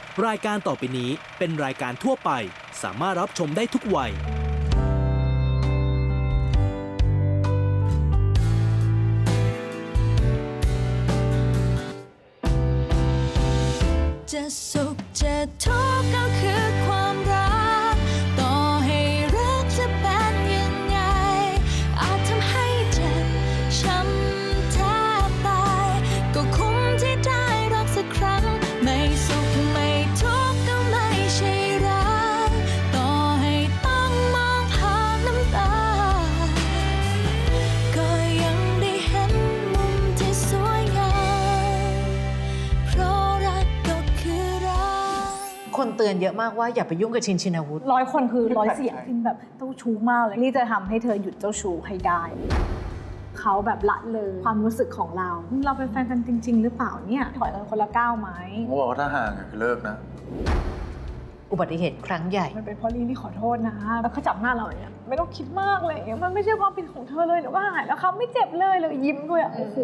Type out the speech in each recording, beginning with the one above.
รายการต่อไปนี้เป็นรายการทั่วไปสามารถรับชมได้ทุกวัยจะสุขจะทุกข์ก็คือความรักต่อให้รักจะเป็นยังไงอาจทำให้เจ็บช้ำแทบตายก็คุ้มที่ได้รักสักครั้งไม่สุขไม่ทุกข์ก็ไม่ใช่รักต่อให้ต้องมองผ่านน้ำตาก็ยังได้เห็นมุมที่สวยงามเพราะรักก็คือรักคนเตือนเยอะมากว่าอย่าไปยุ่งกับชินชินวุฒิ 100 คนคือ100 เสียงที่แบบเจ้าชู้มากเลยนี่จะทำให้เธอหยุดเจ้าชู้ให้ได้เขาแบบละเลยความรู้สึกของเราเป็นแฟนกันจริง ๆ หรือเปล่าเนี่ยถอยกันคนละก้าวไหมผมบอกว่าถ้าห่างคือเลิกนะอุบัติเหตุครั้งใหญ่มันเป็นเพราะลี่ขอโทษนะแล้วเขาจับหน้าเราอย่างเงี้ยไม่ต้องคิดมากเลยมันไม่ใช่ความผิดของเธอเลยเดี๋ยวก็หายแล้วเขาไม่เจ็บเลยยิ้มด้วยโอ้โห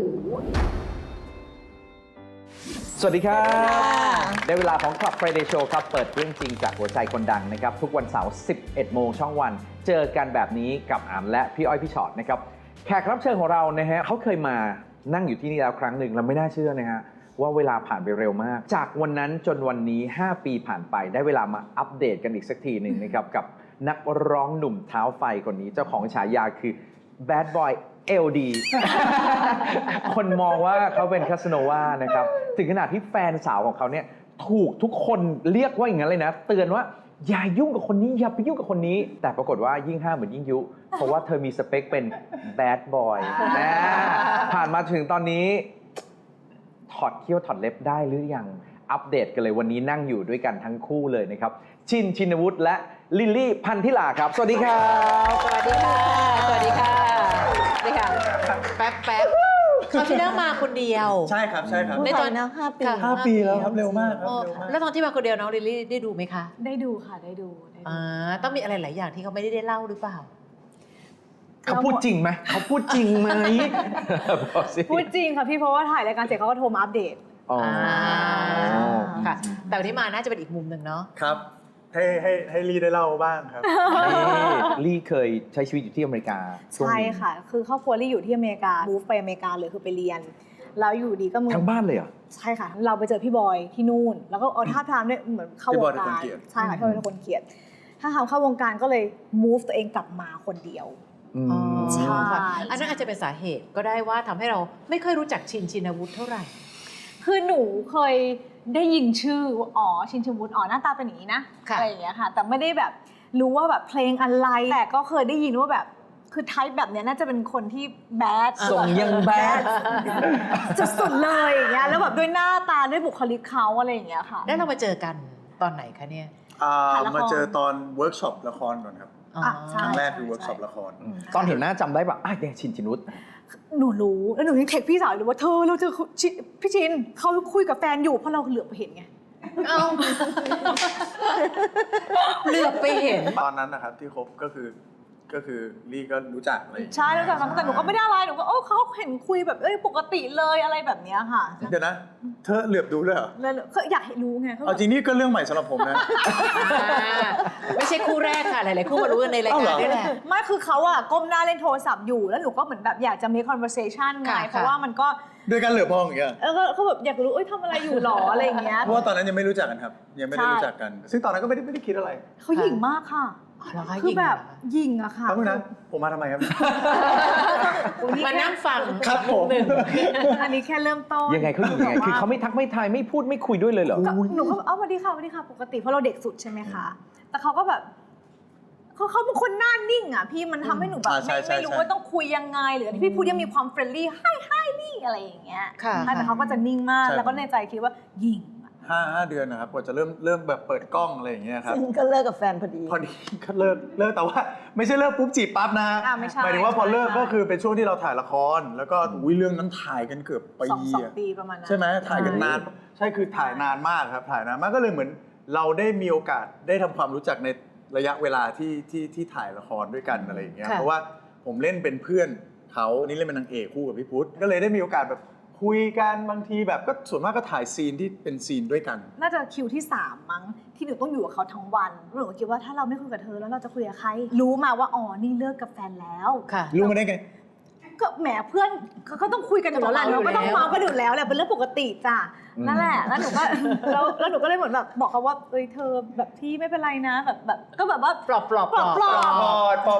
สวัสดีครับได้เวลาของ Club Friday Show ครับ เปิดเรื่องจริงจากหัวใจคนดังนะครับ ทุกวันเสาร์ 11 โมงช่องวัน เจอกันแบบนี้กับอามและพี่อ้อยพี่ชอตนะครับ แขกรับเชิญของเรานะฮะเขาเคยมานั่งอยู่ที่นี่แล้วครั้งหนึ่งเราไม่น่าเชื่อนะฮะว่าเวลาผ่านไปเร็วมาก จากวันนั้นจนวันนี้ 5 ปีผ่านไปได้เวลามาอัปเดตกันอีกสักทีหนึ่งนะครับ กับนักร้องหนุ่มเท้าไฟคนนี้เจ้าของฉายาคือ Bad Boy LD คนมองว่าเขาเป็นคาสโนวานะครับถึงขนาดที่แฟนสาวของเขาเนี่ยถูกทุกคนเรียกว่าอย่างนั้นเลยนะเตือนว่าอย่ายุ่งกับคนนี้อย่าไปยุ่งกับคนนี้แต่ปรากฏว่ายิ่งห้ามเหมือนยิ่งยุเพราะว่าเธอมีสเปคเป็น Bad Boy นะผ่านมาถึงตอนนี้ถอดเขี้ยวถอดเล็บได้หรือยังอัปเดตกันเลยวันนี้นั่งอยู่ด้วยกันทั้งคู่เลยนะครับชินชินวุฒิและลิลลี่พันธิลาครับสวัสดีครับสวัสดีค่ะ สวัสดีค่ะสวัสดีค่ะแป๊บเขาที่นั่งมาคนเดียวใช่ครับใช่ครับในตอนนะ5 ปีค่ะ 5 ปีแล้วครับเร็วมากครับโอ้เร็วมากแล้วตอนที่มาคนเดียวน้องลิลลี่ได้ดูไหมคะได้ดูค่ะได้ดูต้องมีอะไรหลายอย่างที่เขาไม่ได้เล่าหรือเปล่าเขาพูดจริงไหมเขาพูดจริงไหมบอกสิพูดจริงค่ะพี่เพราะว่าถ่ายรายการเสร็จเขาก็โทรมาอัปเดตอ๋อค่ะ แต่วันนี้มาน่าจะเป็นอีกมุมหนึ่งเนาะครับให้ลีได้เล่าบ้างครับลี่เคยใช้ชีวิตอยู่ที่อเมริกาช่วงใช่นี้ค่ะคือครอบครัวลี่อยู่ที่อเมริกามูฟไปอเมริกาเลยคือไปเรียนแล้วอยู่ดีก็มึงทั้งบ้านเลยเหรอใช่ค่ะเราไปเจอพี่บอยที่นู่นแล้วก็เอาท่าทางเนี่ยเหมือนเข้าวงการพี่บอยเป็นคนเกลียดใช่ค่ะพี่บอยเป็นคนเกลียดถ้าทำเข้าวงการก็เลย move ตัวเองกลับมาคนเดียว ใช่ค่ะอันนั้นอาจจะเป็นสาเหตุก็ได้ว่าทำให้เราไม่ค่อยรู้จักชินชินวุฒิเท่าไหร่คือหนูเคยได้ยินชื่อว่าอ๋อชินชินวุฒิอ๋อหน้าตาเป็นอย่างนี้นะค่ะอะไรอย่างเงี้ยค่ะแต่ไม่ได้แบบรู้ว่าแบบเพลงอะไรแต่ก็เคยได้ยินว่าแบบคือไทป์แบบเนี้ยน่าจะเป็นคนที่แบดส่งยังแบดสุดๆเลยอย่างเงี้ยแล้วแบบด้วยหน้าตาด้วยบุคลิกเขาอะไรอย่างเงี้ยค่ะแล้วเรามาเจอกันตอนไหนคะเนี่ยถ่ายละครมาเจอตอนเวิร์กช็อปละครก่อนครับอ่ะใช่ครั้งแรกคือเวิร์กช็อปละครตอนเห็นหน้าจำได้ปะอ่ะเนี่ยชินชินุษหนูรู้แล้วหนูยังเทคพี่สาวเลยว่าเธอเราเจอพี่ชินเขาคุยกับแฟนอยู่เพราะเราเหลือบไปเห็นไงเอ้าเหลือบไปเห็นตอนนั้นนะครับที่คบก็คือลี่ก็รู้จักอะไรอย่างเงี้ยใช่แล้วจากนั้นแต่หนูก็ไม่ได้อะไรหนูก็เขาเห็นคุยแบบปกติเลยอะไรแบบเนี้ยค่ะเดี๋ยวนะ เธอเหลือบดูเลยเหรอแล้วก็อยากให้รู้ไงเอาจริงนี่ก็เรื่องใหม่สำหรับผมนะไม่ใช่คู่แรกค่ะ หลายๆคู่มารู้กันในรายการนี่แหละไม่คือเขาอะก้มหน้าเล่นโทรศัพท์อยู่แล้วหนูก็เหมือนแบบอยากจะ make conversation ไงค่ะเพราะว่ามันก็ด้วยการเหลือบมองอย่างเงี้ยเขาแบบอยากรู้ทำอะไรอยู่หรออะไรอย่างเงี้ยเพราะว่าตอนนั้นยังไม่รู้จักกันครับ ยังไม่ได้ใช่รู้จักกัน ซึ่งตอนนั้นก็ไม่ได้คิดอะไรเขาหยิ่งมากค่ะอ๋อเหรอคะคือแบบหญิงเหรอหยิ่งอะค่ะแป๊บนึงนะผมมาทำไมครับมานั่งฟังครับผมอันนี้แค่เริ่มต้นยังไงเขาอยู่ยังไงคือเขาไม่ทักไม่ทายไม่พูดไม่คุยด้วยเลยเหรอก็หนูก็สวัสดีค่ะสวัสดีค่ะปกติเพราะเราเด็กสุดใช่ไหมคะแต่เขาก็แบบเขาเป็นคนหน้านิ่งอ่ะพี่มันทำให้หนูแบบใช่ใช่ไม่รู้ใช่ว่าต้องคุยยังไงหรือที่พี่พูดยังมีความเฟรนลี่ให้นี่อะไรอย่างเงี้ยค่ะใช่แต่เขาก็จะนิ่งมากใช่แล้วก็ในใจคิดว่ายิงอะห้าเดือนนะครับกว่าจะเริ่มแบบเปิดกล้องอะไรอย่างเงี้ยครับซึ่งก็เลิกกับแฟนพอดีพอดีก็เลิกแต่ว่าไม่ใช่เลิกปุ๊บจีบปั๊บนะไม่ใช่หมายถึงว่าพอเลิกใช่ก็คือเป็นช่วงที่เราถ่ายละคร แล้วก็อุ้ยเรื่องนั้นถ่ายกันเกือบปีสองอะปีประมาณนั้นใช่ไหมถ่ายกันนานใช่คือถ่ายนานมากครับถ่ายนานมากก็เลยเหมือนเราได้มีโอกาสได้ทำความรู้จักในระยะเวลาที่ถ่ายละครด้วยกันอะไรอย่างเงี้ยค่ะเพราะว่าผมเล่นเป็นเพื่อนเขานี่เล่นเป็นนางเอกคู่กับพี่พุทธก็เลยได้มีโอกาสแบบคุยกันบางทีแบบก็ส่วนมากก็ถ่ายซีนที่เป็นซีนด้วยกันน่าจะคิวที่ 3 มั้งที่หนูต้องอยู่กับเขาทั้งวันหนูก็คิดว่าถ้าเราไม่คุยกับเธอแล้วเราจะคุยกับใคร รู้มาว่าอ๋อนี่เลิกกับแฟนแล้วค่ะรู้มาได้ไงก็แหมเพื่อนเขาก็ต้องคุยกันอยู่แล้วแหละเราก็ต้องเมากันอยู่แล้วแหละเป็นเรื่องปกติจ้ะนั่นแหละแล้วหนูก็แล้วหนูก็เลยเหมือนแบบบอกเขาว่าเอ้ยเธอแบบพี่ไม่เป็นไรนะแบบก็แบบว่าปลอบปลอบปอบ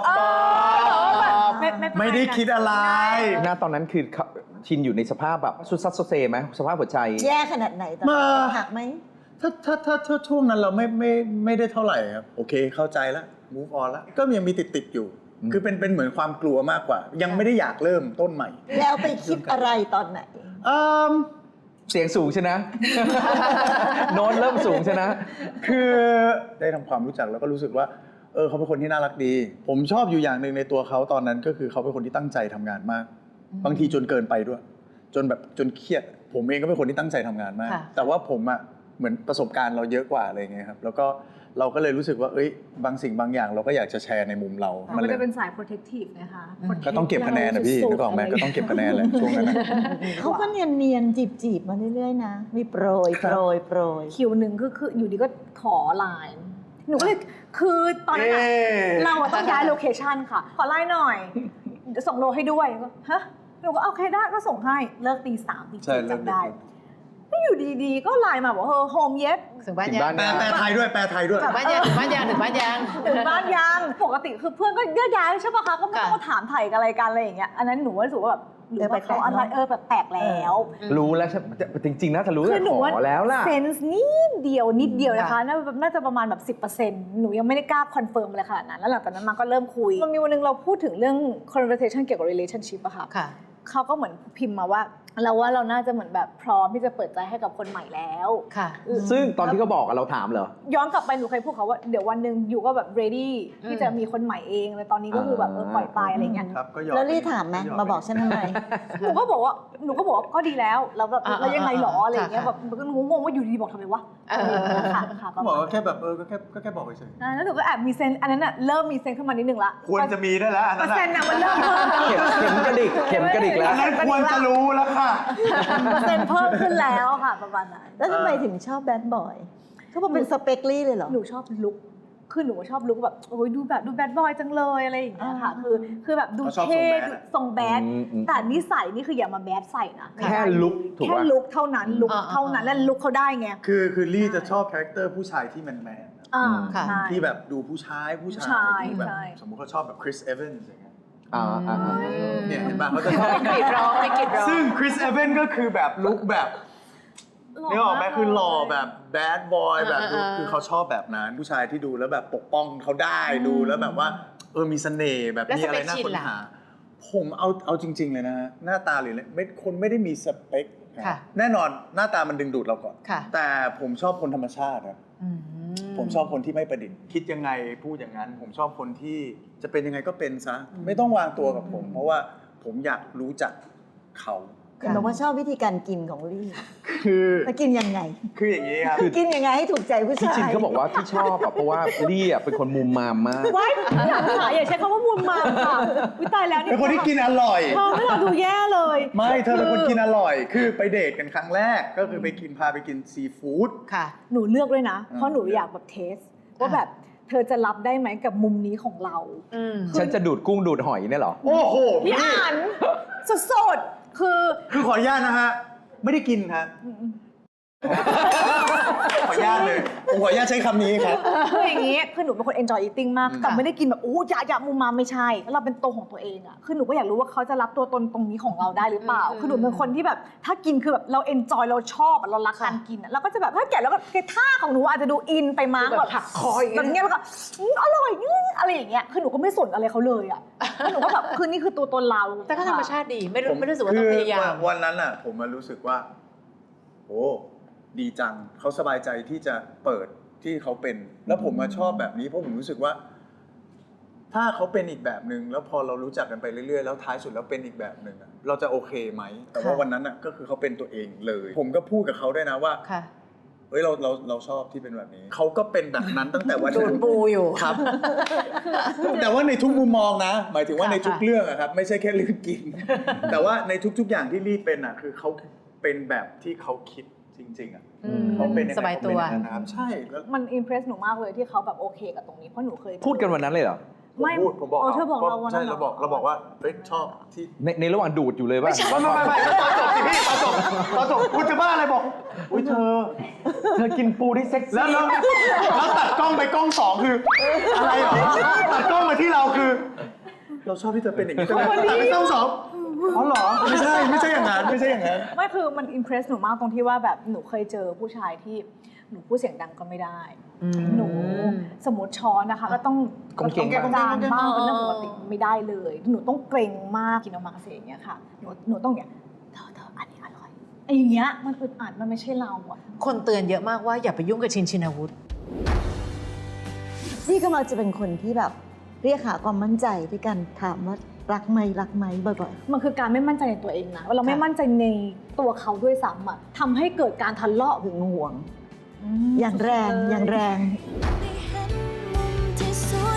ไม่ได้คิดอะไรหน้าตอนนั้นคือชินอยู่ในสภาพแบบสุดซัดโซเซไหมสภาพหัวใจแย่ขนาดไหนตอนมานั้นหักไหมถ้าช่วงนั้นเราไม่ได้เท่าไหร่ครับโอเคเข้าใจแล้ว move on แล้วก็ยังมีติดอยู่ คือเป็นเหมือนความกลัวมากกว่า ยังไม่ได้อยากเริ่มต้นใหม่แล้วไปคิดอะไรตอนไหนเสียงสูงใช่นะ โน้ตเริ่มสูงใช่นะคือได้ทำความรู้จักแล้วก็รู้สึกว่าเขาเป็นคนที่น่ารักดี ผมชอบอยู่อย่างหนึ่งในตัวเขาตอนนั้นก็คือเขาเป็นคนที่ตั้งใจทำงานมาก บางทีจนเกินไปด้วย จนเครียด ผมเองก็เป็นคนที่ตั้งใจทำงานมาก แต่ว่าผมอ่ะเหมือนประสบการณ์เราเยอะกว่าอะไรอย่างเงี้ยครับแล้วก็เราก็เลยรู้สึกว่าบางสิ่งบางอย่างเราก็อยากจะแชร์ในมุมเรามันเลยจะเป็นสาย protective นะคะก็ต้องเก็บคะแนนนะพี่นึกออกไหมก็ต้องเก็บคะแนนแหละช่วงนั้นนะเขาก็เนียนจีบมาเรื่อยๆนะ มีโปรยคิวหนึ่งคืออยู่ดีก็ขอไลน์หนูก็เลยคือตอนนั้นอะเราอะต้องย้ายโลเคชันค่ะ ขอไลน์หน่อยเดี๋ยวส่งโลให้ด้วยก็ฮะหนูก็โอเคได้ก็ส่งให้เลิกตี 3ตีใช่ 4 เลิกจำได้ไม่อยู่ดีๆก็ไลน์มาบอกโฮมเย็ดถึงบ้านถึงยับ้าง นแปลไทยด้วยแปลไทยด้วยถึงบ้านยังถึงบ้านยังถึงบ้านยังถึงบ้านยังปกติคือเพื่อนก็แยกย้ายใช่ปะคะก็ไม่ต้องมาถามไถ่กันอะไรกันอะไรอย่างเงี้ยอันนั้นหนูว่ารู้สึกว่าแบบหรือว่าเขาอะไรแบบแปลกแล้วรู้แล้วใช่จริงๆนะถ้ารู้คือหนูขว่าอแล้วล่ะเซนส์นิดเดียวนะคะน่าจะประมาณแบบ 10% หนูยังไม่ได้กล้าคอนเฟิร์มอะไรขนาดนั้นแล้วหลังจากนั้นมาก็เริ่มคุยมันมีวันหนึงเราพูดถึงเรื่อง conversation เกี่ยวกับ relationship อะค่ะค่ะเขาก็เหมือนพิมพ์มาว่าเราน่าจะเหมือนแบบพร้อมที่จะเปิดใจให้กับคนใหม่แล้วค่ะซึ่งตอนที่เขาบอกอะเราถามเหรอย้อนกลับไปหนูเคยพูดเขาว่าเดี๋ยววันหนึ่งอยู่ก็แบบ ready ที่จะมีคนใหม่เองแต่ตอนนี้ก็คือแบบปล่อยไปอะไรเงี้ยครับก็ยอมแล้วรีถามไหมมาบอกฉันทำไมหนูก็บอกว่าก็ดีแล้วแล้วแบบแล้วยังไงหรออะไรอย่างเงี้ยแบบมันก็งงว่าอยู่ดีๆบอกทำไมวะค่ะก็บอกว่าแค่แบบก็แค่บอกเฉยแล้วหนูก็แอบมีเซนอันนั้นน่ะเริ่มมีเซนขึ้นมานิดนึงละควรจะมีได้แล้วอันเปอนั้นร์เซ็นต์น่ะมันเริ่มเพิ่มเข็มกระดิกแล้วอันนั้นควรจะรู้แล้วค่ะเปอร์เซ็นต์เพิ่มขึ้นแล้วค่ะประมาณนั้นแล้วทำไมถึงชอบแบดบอยเขาบอกเป็นสเปกลี่เลยเหรอหนูชอบลุคคือหนูชอบลุคแบบโอ้ยดูแบดบอยจังเลยอะไรอย่างเงี้ยค่ะคือแบบดูเขาชอบเท่ทรงแบดทรงแบดอืมแต่นิสัยนี่คืออย่ามาแบดใส่นะแค่ลุคถูกแค่ป่ะลุคเท่านั้นลุคเท่านั้นและลุคเขาได้ไงคือลี่จะชอบคาแรคเตอร์ผู้ชายที่แมนค่ะใช่ที่แบบดูผู้ชายที่แบบใช่สมมุติเขาชอบแบบคริสเอเวนส์อย่างเงี้ย เนี่ยเห็นป่ะเขาจะชอบให้กรีดร้องให้กรีดร้องซึ่งคริสเอเวนก็คือแบบลุคแบบนี่ออกไหมคือหล่อแบบแบดบอยแบบดูคือเขาชอบแบบนั้นผู้ชายที่ดูแล้วแบบปกป้องเขาได้ดูแล้วแบบว่ามีเสน่ห์แบบมีอะไรน่าค้นหาผมเอาจริง ๆ เลยนะฮะหน้าตาหรืออะไรคนไม่ได้มีสเปคค่ะแน่นอนหน้าตามันดึงดูดเราก่อนค่ะแต่ผมชอบคนธรรมชาติครับอืมผมชอบคนที่ไม่ประดิษฐ์คิดยังไงพูดอย่างนั้น ผมชอบคนที่จะเป็นยังไงก็เป็นซะไม่ต้องวางตัวกับผม เพราะว่าผมอยากรู้จักเขาเห็นบอกว่าชอบวิธีการกินของลี่คือแล้วกินยังไงคืออย่างนี้ครับกินยังไงให้ถูกใจผู้พี่ชายชินเขาบอกว่าที่ชอบอะเพราะว่าลี่อะเป็นคนมุมมามมากว้ายอย่าใช้คำว่ามูลมามค่ะวิตายแล้วนี่เป็นคนที่กินอร่อยเธอไม่เราดูแย่เลยไม่เธอเป็นคนกินอร่อย คือไปเดทกันครั้งแรกก็คือพาไปกินซีฟู้ดค่ะหนูเลือกด้วยนะ เพราะหนูอยากแบบเทสว่าแบบเธอจะรับได้ไหมกับมุมนี้ของเราอืมฉันจะดูดกุ้งดูดหอยเนี่ยเหรอโอ้โหพี่อ่านสดๆคือขออนุญาตนะฮะไม่ได้กินฮะขออนุญาตเลยผมขออนุญาตใช้คำนี้ครับคืออย่างนี้คือหนูเป็นคน enjoy eating มากแต่ไม่ได้กินแบบอย่ามุมมาไม่ใช่แล้วเราเป็นตัวของตัวเองอะคือหนูก็อยากรู้ว่าเขาจะรับตัวตนตรงนี้ของเราได้หรือเปล่า คือหนูเป็นคนที่แบบถ้ากินคือแบบเรา enjoy เราชอบอะเรารักการกินอะเราก็จะแบบถ้าแกะแล้วก็ท่าของหนูอาจจะดูอินไปมั้งแบบหักคออย่างเงี้ยแบบเงี้ยแล้วก็อร่อยอะไรอย่างเงี้ยคือหนูก็ไม่สนอะไรเขาเลยอะแล้วหนูก็แบบคือนี่คือตัวตนเราแต่ก็ธรรมชาติดีไม่รู้สึกว่าต้องพยายามวันนั้นอ่ะผมมารู้สึกว่าโอ้ดีจังเขาสบายใจที่จะเปิดที่เขาเป็น แล้วผมมาชอบแบบนี้เพราะผมรู้สึกว่า ถ้าเขาเป็นอีกแบบหนึ่งแล้วพอเรารู้จักกันไปเรื่อยๆแล้วท้ายสุดแล้วเป็นอีกแบบหนึ่งอะเราจะโอเคไหมแต่ว่าวันนั้นอ่ะก็คือเขาเป็นตัวเองเลย ผมก็พูดกับเขาด้วยนะว่าค่ะเฮ้ยเราชอบที่เป็นแบบนี้เขาก็เป็นแบบนั้นตั้งแต่วันดูนั้ดนปูอยู่ครับ แต่ว่าในทุกมุมมองนะ หมายถึงว่าในทุกเรื่องอะครับไม่ใช่แค่เรื่องกิน แต่ว่าในทุกๆอย่างที่ลี่เป็นอะคือเขาเป็นแบบที่เขาคิดจริงๆอะอืมเขาเป็นงไงสบายตัวเขเป็นองนั้นนะครับใช่แล้วมันอิมเพรสหนูมากเลยที่เขาแบบโอเคกับตรงนี้เพราะหนูเคยพูดกันวันนั้นเลยเหรอไม่ผมบอกเธอบอกเราวันนั้นใช่หเราบอกว่าเฮ้ยชอบที่ในระหว่างดูดอยู่เลยป่ะไม่ตอนจบสิพี่ตอนจบคุณจะบ้าอะไรบอกอุ้ยเธอกินปูได้เซ็กซี่แล้วตัดกล้องไปกล้อง2คืออะไรเหรอตัดกล้องมาที่เราคือ เราชอบที่เธอเป็นอย่างนี้ใช่ไหมตัดไปกล้อง2อ๋อเหรอไม่ใช่อย่างนั้นไม่ใช่อย่างนั้นไม่คือมันอิมเพรสหนูมากตรงที่ว่าแบบหนูเคยเจอผู้ชายที่หนูพูดเสียงดังก็ไม่ได้ หนูสมมติช้อนนะคะ ก็ต้องกงเก่งจานบ้างเป็นเรื่องอ๋อปกติไม่ได้เลย หนูต้องเกรงมากกินออกมาเสียอย่างเงี้ยค่ะหนูต้องอย่างเธออันนี้อร่อยไอ้อย่างเงี้ยมันอึดอัดมันไม่ใช่เราอะคนเตือนเยอะมากว่าอย่าไปยุ่งกับชินวุฒิพี่ก็มักจะเป็นคนที่แบบเรียกหาความมั่นใจด้วยกันถามว่ารักไหมบ่อยมันคือการไม่มั่นใจในตัวเองนะเราไม่มั่นใจในตัวเขาด้วยซ้ำอะทำให้เกิดการทะเลาะๆหึงหวง อย่างแรงได้เห็นมุมที่สวย